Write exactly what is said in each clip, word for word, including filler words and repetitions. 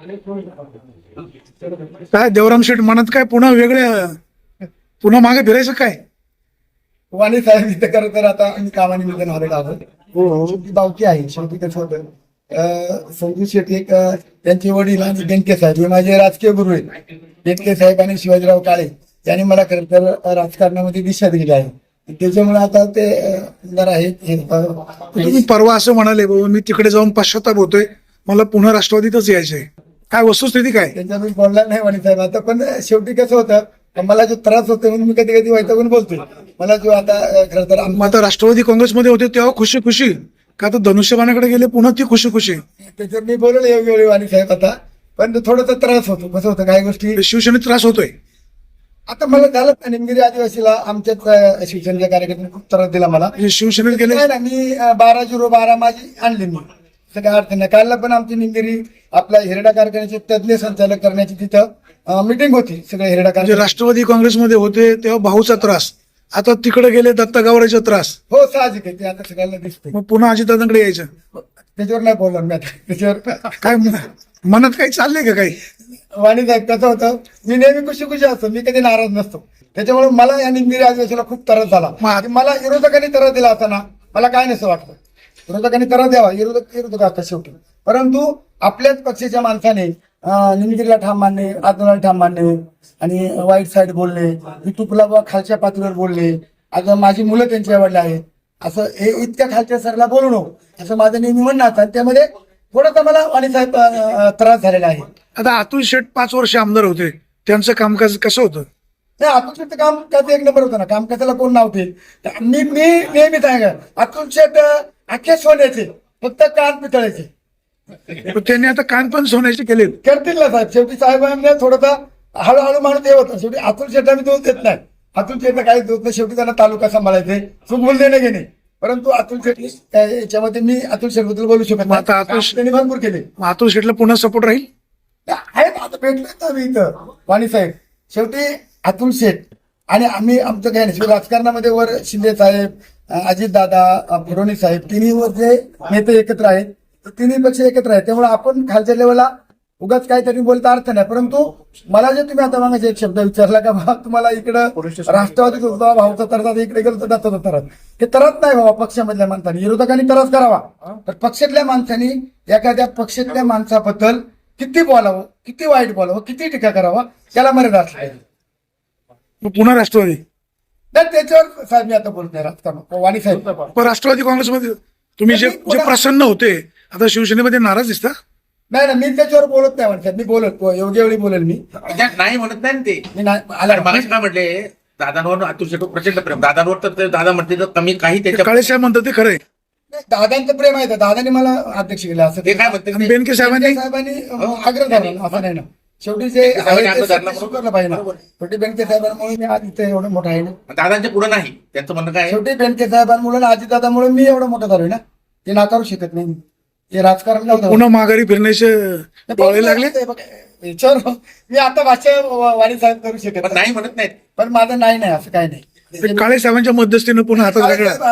काय देवराम शेठ म्हणत काय पुन्हा वेगळे पुन्हा मागे फिरायचं काय? वाणी साहेब इथं खरं तर आता आम्ही कामानिमित्तानं आलेलो आहोत. शेवटी बावकी आहे. शेवटी कसं होतं, अं, संजू शेट्टी एक अं, त्यांचे वडील आणि बेनके साहेब हे माझे राजकीय गुरु आहेत. बेनके साहेब आणि शिवाजीराव काळे यांनी मला खरं तर राजकारणामध्ये दिशा दिली आहे. त्याच्यामुळे आता ते अं, जरा हे हे, अं, तुम्ही परवा असं म्हणाले बाबा मी तिकडे जाऊन पश्चाताप होतोय, मला पुन्हा राष्ट्रवादीतच यायचंय. काय वस्तुस्थिती काय? त्यांचा मी बोलला नाही वाणी साहेब. आता पण शेवटी कसं होतं, मला जो त्रास होतो म्हणून मी कधी कधी वैतागून बोलतोय. मला जो आता अं, खरं तर आम- मग आता राष्ट्रवादी काँग्रेसमध्ये होते तेव्हा खुशी खुशी, का तर धनुष्यबाणाकडे गेले पुन्हा ती खुशी खुशी. त्याच्यावर मी बोललो योग्य वेळी वाणी साहेब आता. पण थोडासा त्रास होतो. कसं होतं, काही गोष्टी शिवसेनेत त्रास होतोय. आता मला झालं ना, निमगिरी आदिवासीला आमच्याच अं, शिवसेनेच्या कार्यकर्त्यांनी खूप त्रास दिला मला. म्हणजे शिवसेनेत गेले. नाही ना, मी अं, बारा झिरो बारा माझी आणली मी. असं काय अडचण नाही. कालला पण आमची निमगिरी आपल्या हिरडा कारखान्याचे तज्ज्ञ संचालक करण्याची तिथं मिटिंग होती. सगळे हिरडा म्हणजे कारखाने. राष्ट्रवादी काँग्रेसमध्ये होते तेव्हा भाऊचा त्रास, आता तिकडे गेले दत्ता गावरेचा त्रास, हो साहजिक आहे, ते आता सगळ्यांना दिसतंय. मग पुन्हा अजितदादांकडे यायचं. त्याच्यावर नाही बोलणार मी आता. त्याच्यावर काय म- मनात काही चाललंय का काही? वाणी साहेब कसं होतं, मी नेहमी खुशी खुशी असतो, मी कधी नाराज नसतो. त्याच्यामुळे मला या निमगिरी आदिवासीला खूप त्रास झाला. मग- मला विरोधकांनी त्रास दिला असताना मला काय नसं वाटतं. विरोधकांनी त्रास द्यावा, विरोधक विरोधक असतात शेवटी. परंतु आपल्याच पक्षाच्या माणसाने अं, निमगिरीला ठाम मानणे, आंदोलन ठाम मानणे आणि वाईट साईड बोलणे, युट्यूबला बा खालच्या पातळीवर बोलणे, आता माझी मुलं त्यांची आवडली आहेत, असं हे इतक्या खालच्या सरला बोलू नको असं माझं नेहमी म्हणणं असतं. आणि त्यामध्ये थोडासा मला वाणी साहेब अं, त्रास झालेला आहे. आता अतुल शेठ पाच वर्ष आमदार होते, त्यांचं कामकाज कसं होतं? नाही, अतुल शेटचं काम कसं एक नंबर होतं ना. काम कशाला कोण नाव ठेल. मी मी नेहमी सांगा, अतुल शेट अख्खे सोन्याचे, फक्त कान पितळायचे. पण त्यांनी आता कान पण सोन्याचे केलेत. करतील ना साहेब. शेवटी साहेबांना थोडासा हळूहळू माणूस हे होतं. शेवटी अतुल शेट आम्ही दोष देत नाही. अतुल शेटला काही दोष नाही. शेवटी त्यांना तालुका सांभाळायचे, चुकबुल देणे घेणे. परंतु अतुल शेट याच्यामध्ये मी अतुल शेट बद्दल बोलू शकत नाही. आता अतुल शेट- त्यांनी भरपूर केले मग अतुल शेठला पुन्हा सपोर्ट राहील. आहेत. आता भेटलो आम्ही इथं वाणी साहेब. शेवटी अतुल शेठ आणि आम्ही आमचं काय नाही. राजकारणामध्ये वर शिंदे साहेब, अजित दादा, फडणवीस साहेब तिन्ही वर जे नेते एकत्र आहेत, तिन्ही पक्ष एकत्र आहेत. त्यामुळे आपण खालच्या लेवलला उगाच काहीतरी बोलता अर्थ नाही. परंतु मला जे तुम्ही आता मागायचे एक शब्द विचारला का बा तुम्हाला इकडं राष्ट्रवादीत होता भाऊचा तरतात, इकडे गेलो तर दत्ताचा तरत. हे तरत नाही बाबा पक्षामधल्या माणसांनी. विरोधकांनी तरच करावा, तर पक्षातल्या माणसांनी एखाद्या पक्षातल्या माणसाबद्दल किती बोलावं, किती वाईट बोलावं, किती टीका करावा, त्याला मर्यादा असली. मग पुन्हा राष्ट्रवादी. नाही त्याच्यावर साहेब मी आता बोलत नाही राजकारण. वाणी साहेब पण राष्ट्रवादी काँग्रेसमध्ये तुम्ही जे जे प्रसन्न होते, आता शिवसेनेमध्ये नाराज दिसता. नाही ना, मी त्याच्यावर बोलत नाही म्हणतात. मी बोलत योग्य वेळी बोलेल मी. त्यात नाही म्हणत नाही ना ते. मी नाही अरे आला मगाशी काय म्हटले, दादांवर अतुल शेठ प्रचंड प्रेम. दादांवर तर ते दादा म्हणते तर कमी काही त्याच्या काळे साहेब म्हणतात ते खरंय. दादांचं प्रेम आहे. दादाने मला अध्यक्ष केलं असं ते काय म्हणते आणि ते- बेनके साहेबांनी साहेबांनी आग्रह धरला असं नाही ना. शेवटी जे बेनके साहेबांनी आहे ते आग्रह धरला स्वीकारलं पाहिजे ना. शेवटी बेनके साहेबांमुळे मी आज इथे एवढं मोठं आहे ना. दादांच्या पुढे नाही. त्यांचं म्हणणं काय आहे? शेवटी बेनके साहेबांमुळे आणि अजितदादामुळे मी एवढं मोठं झालोय ना. ते नाकारू शकत नाही. ते राजकारण नव्हतं. पुन्हा माघारी फिरण्याचे डोळे लागले. याच्यावर मी आता भाषा वाणी साहेब करू शकत पण नाही म्हणत नाहीत. पण माझं नाही नाही असं काही नाही. ते काळे साहेबांच्या मध्यस्थीनं पुन्हा हातात वेगळा.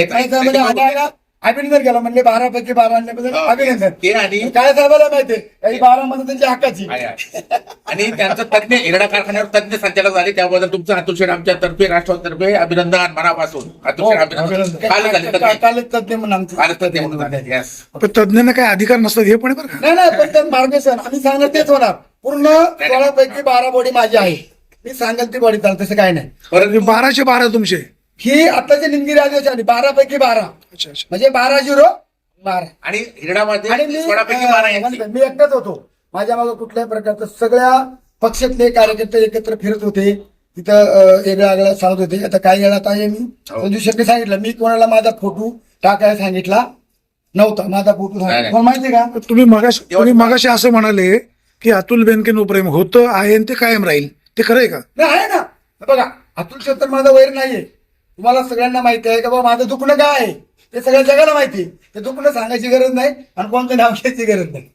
आहे. अभिनंदन केला म्हणले बारा पैकी बारा आणल्याबद्दल अभिनंदन. ते आणि काय साहेबाला माहितीये काही बारा मध्ये त्यांची हक्काची. आहे, आहे. आणि त्यांचं तज्ञ हिरडा कारखान्यावर तज्ञ संचालक झाले, त्याबद्दल तुमचं अतुल शेठ आमच्या तर्फे राष्ट्रवादीतर्फे अभिनंदन मनापासून. अतुल शेठ अभिनंदन. कालच झाले तज्ञ. कालच तज्ञ म्हणून आमचे. कालच तज्ञ म्हणून झाले. Yes. पण तज्ञांना काही अधिकार नसतात हे पण आहे बरं का. नाही नाही, पण ते मार्गदर्शन आम्ही सांगणार तेच होणार. पूर्ण सोळा पैकी बारा बॉडी माझी आहे. मी सांगाल ती बॉडी चालत तसं काय नाही. परंतु बाराशे बारा तुमचे. ही आताची निमगिरी आदिवासी आली बारा पैकी बारा, अच्छा अच्छा. म्हणजे बारा झिरो बारा. आणि हिरडामध्ये आणि मी सोळापैकी बारा यांची. अं, मी एकटाच होतो. माझ्या मागे कुठल्याही प्रकारचं सगळ्या पक्षातले कार्यकर्ते एकत्र फिरत होते. तिथं अं, वेगळ्या वेगळ्या सांगत होते. आता काही वेळात आहे मी संजू शेट्टी सांगितलं, मी कोणाला माझा फोटो टाकायला सांगितला नव्हता. माझा फोटो सांगितला कोण माहितीये का? तुम्ही मगाशी तुम्ही मगाशी असं म्हणाले की अतुल बेनके प्रेम होतं आहे आणि ते कायम राहील, ते खरंय का? नाही आहे ना. बघा अतुल शेट तर माझा वैर नाहीये. तुम्हाला सगळ्यांना माहिती आहे का बाबा माझं दुखणं काय आहे ते सगळ्या जगाला माहिती आहे. ते दुखणं सांगायची गरज नाही आणि कोणतं नाव घ्यायची गरज नाही.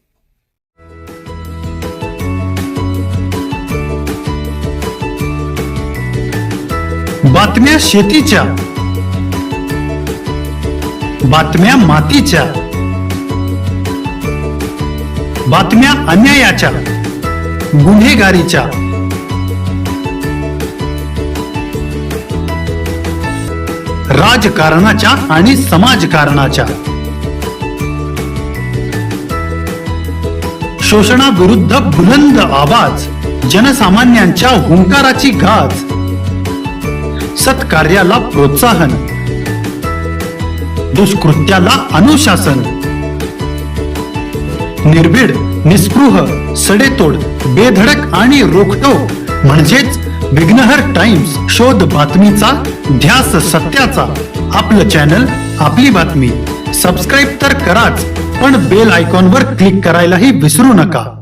बातम्या शेतीच्या, बातम्या मातीच्या, बातम्या अन्यायाच्या, गुन्हेगारीच्या, राजकारणाच्या आणि समाजकारणाच्या, शोषणाविरुद्ध बुलंद आवाज, जनसामान्यांच्या हुंकाराची गाज, सत्कार्याला प्रोत्साहन, दुष्कृत्याला अनुशासन, निर्भीड, निस्पृह, सडेतोड, बेधडक आणि रोखटोक म्हणजेच विघ्नहर टाइम्स. शोध बातमीचा, ध्यास सत्याचा. आपलं चॅनल, आपली बातमी. सबस्क्राईब तर कराच, पण बेल आयकॉनवर क्लिक करायलाही विसरू नका.